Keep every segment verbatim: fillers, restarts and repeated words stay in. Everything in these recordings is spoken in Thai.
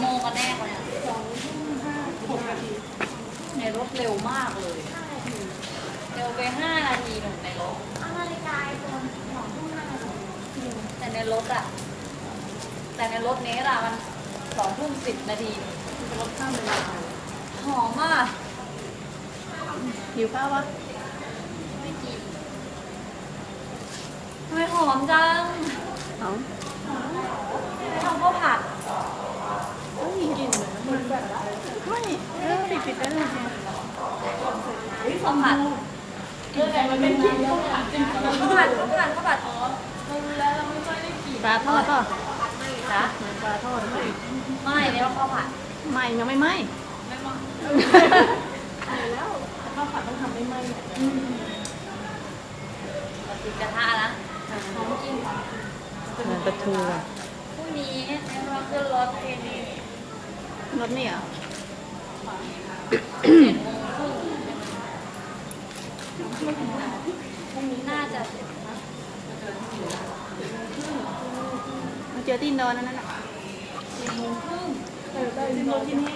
โมงกันแน่คนเนี่ยสองทุ่มห้าหกนาทีในรถเร็วมากเลยเร็วไปห้านาทีหนึ่งในรถเอานาฬิกาไอโฟนสองทุ่มห้านาทีแต่ในรถอะแต่ในรถเนี้ยอะมันสองทุ่มสิบนาทีเป็นรถข้ามเวลาหอมมากหิวข้าววะไม่กินทำไมหอมจังเอาไม่ทำข้าวผัดไม่มีกลิ่นเลยมันแบบไม่เออปิดปิดได้เลยเนี่ยข้าวผัดเรื่องอะไรมันเป็นกลิ่นข้าวผัดข้าวผัดข้าวผัดข้าวผัดอ๋อเรารู้แล้วเราไม่ค่อยได้กลิ่นปลาทอดป่ะจ้ะปลาทอดไม่ไม่เรียกว่าข้าวผัดไม่ยังไม่ไหมไม่มาใช่แล้วข้าวผัดต้องทำไม่ไหมติดกระทะนะหอมจริงเป็นปลาทูพรุ่งนี้เราขึ้นรถเทนี้รสนี่เหรอเจ็ดโมงครึ่งพรุ่งนี้น่าจะเสร็จนะมาเจอที่อินโดนั่นน่ะเจ็ดโมงครึ่งเออได้อินโดที่นี่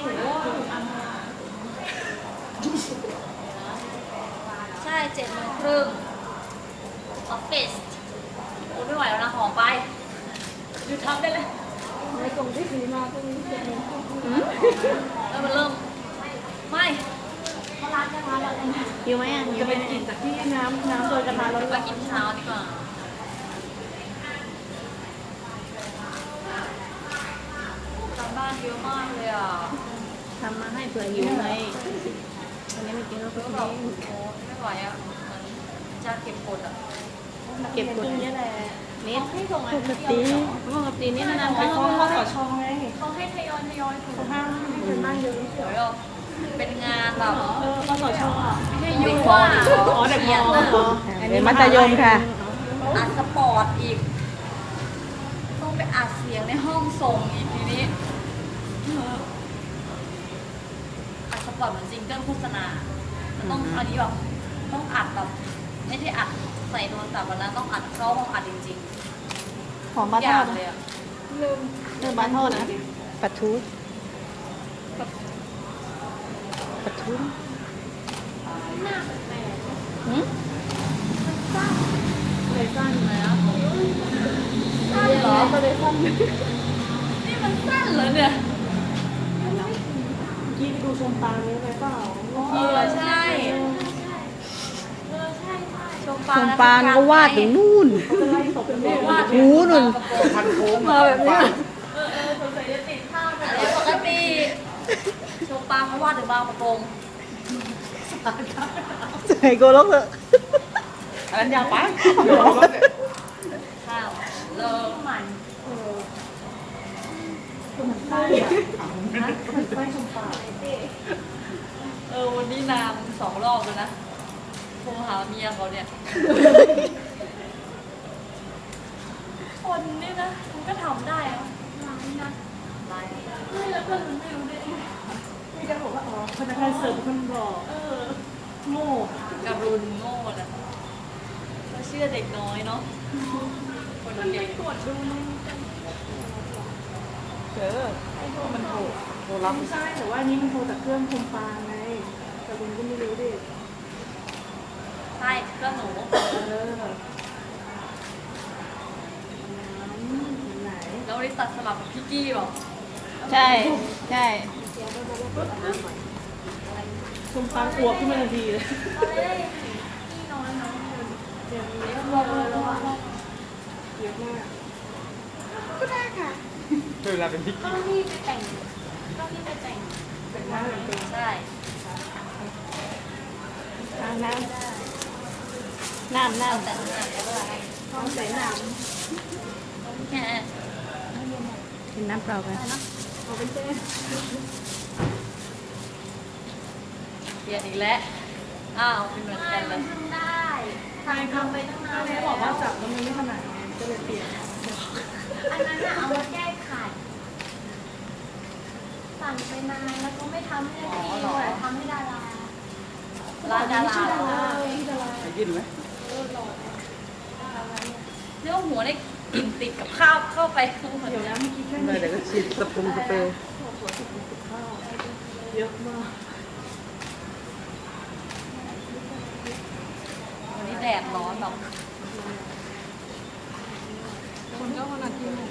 ใช่เจ็ดโมงครึ่งออฟฟิศโอ้ไม่ไหวแล้วนะหอมไปหยุดทำได้เลยในกล่องที่ซื้อมาพวกนี้เจ็ดโมงครึ่งแล้วมันเริ่มไม่เขาล้างกระทะเราเลยนะหิวไหมอ่ะจะเป็นกลิ่นจากที่น้ำน้ำโดยกระทะเราไปกินเช้าดีกว่าทำบ้านเยอะมากเลยอ่ะทำมาให้เผื่อหิวไงวันนี้ไม่กินแล้วก็ก็กินแบบโอ้ไม่ไหวอ่ะเหมือนจะเก็บกดอ่ะเก็บกดนี่แหละนิดให้ส่งปอันกเดียวติปกตินี่นานๆครั้งเขาเขาขอชงไงเขาให้ทยอยทยอยถูกเขาห้ามให้เป็นบ้านเยอะเดี๋ยวเราเป็นงานแบบเออเขาขอชงอ่ะไม่ใช่ยุ่งว่าอ๋อเด็กมเรียนอนะอันนี้มัธยมค่ะอัดสปอร์ตอีก ต้องไปอัดเสียงในห้องส่งอีกทีนี้อัดสปอร์ตเหมือนซิงเกิลโฆษณามันต้องอันนี้แบบต้องอัดแบบไม่ใช่อัดใส่โทรศัพท์วันนั้นต้องอัดเข้าห้องอัดจริงหอมๆปลาอทย่าอง ดเลยอ่ะเริ่มเริ่มปลาทอดนะปลาทูปลาทูหืมเลยสั้นเลยอ่ะสั้นเหรอก็เลยสั้นนี่มันสั้นเหรอเนี่ยกี้ไปดูชมปางนี้ไปเปล่าเออใช่ชมปาชมปานก็วาดถึงนู่นเขาจะไล่ตบกันเลยวาดหูนุ่นพันโค้งมาแบบนี้อะไรปกติชมปางเขาวาดถึงบางประกงใส่โกลกเถอะอันนั้นยาวไปข้าวเลิกมันไส้ไส้ชมปางเออวันนี้นางสองรอบเลยนะโทรหาเมียเขาเนี่ย คนนี่นะมันก็ทำได้อะร้ายนะร้ายไม่แล้วเพื่อนมันไม่รู้ได้ไงมีการบอกว่าอ๋อพนักงานเสิร์ฟคนบอกเออโง่การุณโง่นะเขาเชื่อเด็กน้อยเนาะคนเก่งตรวจดูในเออมันโทรโทรรับไม่ใช่แต่ว่านี่มันโทรจากเครื่องชมปางไงแต่คุณก็ไม่รู้ดิใช่ก็หนูเออไหนแล้วได้ตัดสลับกับพี่กี้บอกใช่ใช่ชมปางอวบขึ้นมาทันทีเลยเราได้ที่นอนน้องอยู่เดี๋ยวนี้เรียบร้อยแล้วอะเยอะมากก็ได้ค่ะคือเวลาเป็นพิกก็ที่ไปแต่งก็ที่ไปแต่งเป็นหน้าเหมือนเป็นใช่น้ำน้ำน้ำน้เอาแต่งหน้าก็ได้ำท้องใส่น้แค่กินน้ำเปล่าไปำเอาเป็นเส้นเปลี่ยนอีกแล้วอ้าวเป็นเหมือนกันเลยทำได้ทำทำไปตั้งนานแม่แล้วบอกว่าจับแล้วมันไม่ถนัดไงก็เลยเปลี่ยนอันนั้นน่ะเอามาแก้ไขสั่งไปนานแล้วก็ไม่ทำให้ทีแต่ทำให้ดาราร้านดาราดาราที่ดาราไปกินไหมเนื้อหัวได้กลิ่นติดกับข้าวเข้าไปข้างบนเดี๋ยวนะเมื่อกี้แค่ไม่นี้แต่ก็ฉีดสปรุงสเปรย์บหัวสิบสิบข้าวเยอะมากวันนี้แดดร้อนแบบคนก็ขนาดที่หนึ่ง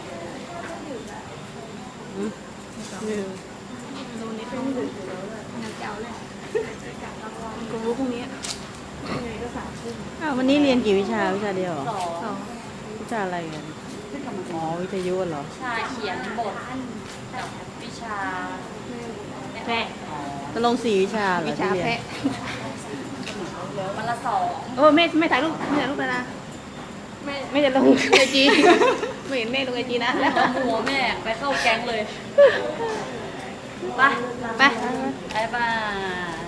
หนึ่งโดนนิดนึงดึกอยู่แล้วแหละงานเจ้าเลยกูรู้พรุ่งนี้ยังไงก็สามทุ่มอ้าววันนี้เรียนกี่วิชาวิชาเดียวเหรอสองสองวิชาอะไรกันอ๋อวิทยุเหรอชาเขียนบทกับวิชาแพะตกลงสี่วิชาเหรอวิชาที่เรียนแพะวันละสองโอ้ไม่ไม่ถ่ายรูปไม่ถ่ายรูปเลยนะไม่ไม่จะลงไอจีไม่เห็นแม่ลงไอจีนะแล้วแล้วหัวแม่ไปเข้าแก๊งเลย ไปไปบายบาย